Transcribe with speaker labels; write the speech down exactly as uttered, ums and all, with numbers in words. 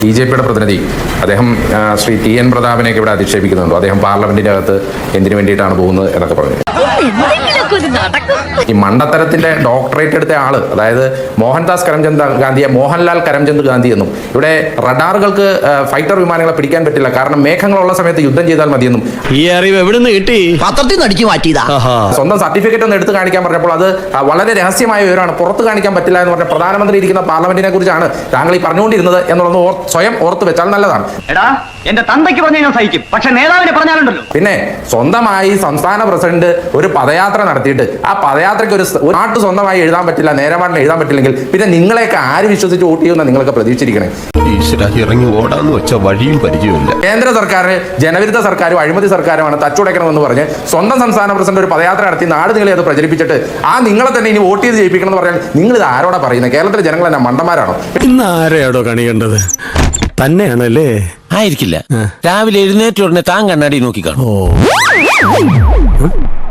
Speaker 1: B J പിയുടെ പ്രതിനിധി അദ്ദേഹം ശ്രീ ടി എൻ പ്രതാപനെയൊക്കെ ഇവിടെ അധിക്ഷേപിക്കുന്നുണ്ടോ? അദ്ദേഹം പാർലമെന്റിന്റെ അകത്ത് എന്തിനു വേണ്ടിയിട്ടാണ് പോകുന്നത് എന്നൊക്കെ പറഞ്ഞു. ഈ മണ്ടത്തരത്തിന്റെ ഡോക്ടറേറ്റ് എടുത്ത ആള്, അതായത് മോഹൻദാസ് കരംചന്ദ് ഗാന്ധിയെ മോഹൻലാൽ കരംചന്ദ് ഗാന്ധി എന്നും, ഇവിടെ റഡാറുകൾക്ക് ഫൈറ്റർ വിമാനങ്ങളെ പിടിക്കാൻ പറ്റില്ല കാരണം മേഘങ്ങളുള്ള സമയത്ത് യുദ്ധം ചെയ്താൽ മതിയെന്നും
Speaker 2: ഈ അറിവ് എവിടുന്ന് കിട്ടി?
Speaker 3: പത്രത്തിൽ നിന്ന് അടിച്ചു മാറ്റിയതാ.
Speaker 1: സ്വന്തം സർട്ടിഫിക്കറ്റ് ഒന്ന് എടുത്ത് കാണിക്കാൻ പറഞ്ഞപ്പോൾ അത് വളരെ രഹസ്യമായ വിവരമാണ്, പുറത്ത് കാണിക്കാൻ പറ്റില്ല എന്ന് പറഞ്ഞ പ്രധാനമന്ത്രി ഇരിക്കുന്ന പാർലമെന്റിനെ കുറിച്ചാണ് താങ്കൾ ഈ പറഞ്ഞുകൊണ്ടിരുന്നത് എന്നുള്ളത് സ്വയം ഓർത്ത് വെച്ചാൽ നല്ലതാണ്.
Speaker 4: എടാ എന്റെ തന്തയ്ക്ക് പറഞ്ഞു ഞാൻ സഹിക്കും, പക്ഷെ നേതാവിനെ പറഞ്ഞാലുണ്ടല്ലോ.
Speaker 1: പിന്നെ സ്വന്തമായി സംസ്ഥാന പ്രസിഡന്റ് ഒരു പദയാത്ര നടത്തിയിട്ട് ആ പദയാത്രയ്ക്ക് ഒരു നാട്ട് സ്വന്തമായി എഴുതാൻ പറ്റില്ല, നേരമാട്ടിന് എഴുതാൻ പറ്റില്ലെങ്കിൽ പിന്നെ നിങ്ങളെയൊക്കെ ആര് വിശ്വസിച്ച് വോട്ട് ചെയ്യുമെന്ന് നിങ്ങളൊക്കെ പ്രതീക്ഷിച്ചിരിക്കണേ.
Speaker 5: ഇറങ്ങി ഓടാന്ന് വെച്ച വഴിയും പരിചയമില്ല.
Speaker 1: കേന്ദ്ര സർക്കാർ ജനവിരുദ്ധ സർക്കാരും അഴിമതി സർക്കാരുമാണ്, തച്ചുടയ്ക്കണമെന്ന് പറഞ്ഞ് സ്വന്തം സംസ്ഥാന പ്രസിഡന്റ് ഒരു പദയാത്ര നടത്തി നാട് നിങ്ങളെ അത് പ്രചരിപ്പിച്ചിട്ട് ആ നിങ്ങളെ തന്നെ ഇനി വോട്ട് ചെയ്ത് ജയിപ്പിക്കണം എന്ന് പറഞ്ഞാൽ നിങ്ങൾ ഇത് ആരോടാ പറയുന്നത്? കേരളത്തിലെ ജനങ്ങൾ തന്നെ മണ്ടന്മാരാണോ?
Speaker 2: ഇന്ന് ആരെയാടോ കണി കണ്ടത്? തന്നെയാണല്ലേ?
Speaker 6: ആയിരിക്കില്ല. രാവിലെ എഴുന്നേറ്റ ഉടനെ താൻ കണ്ണാടി നോക്കി കാണും.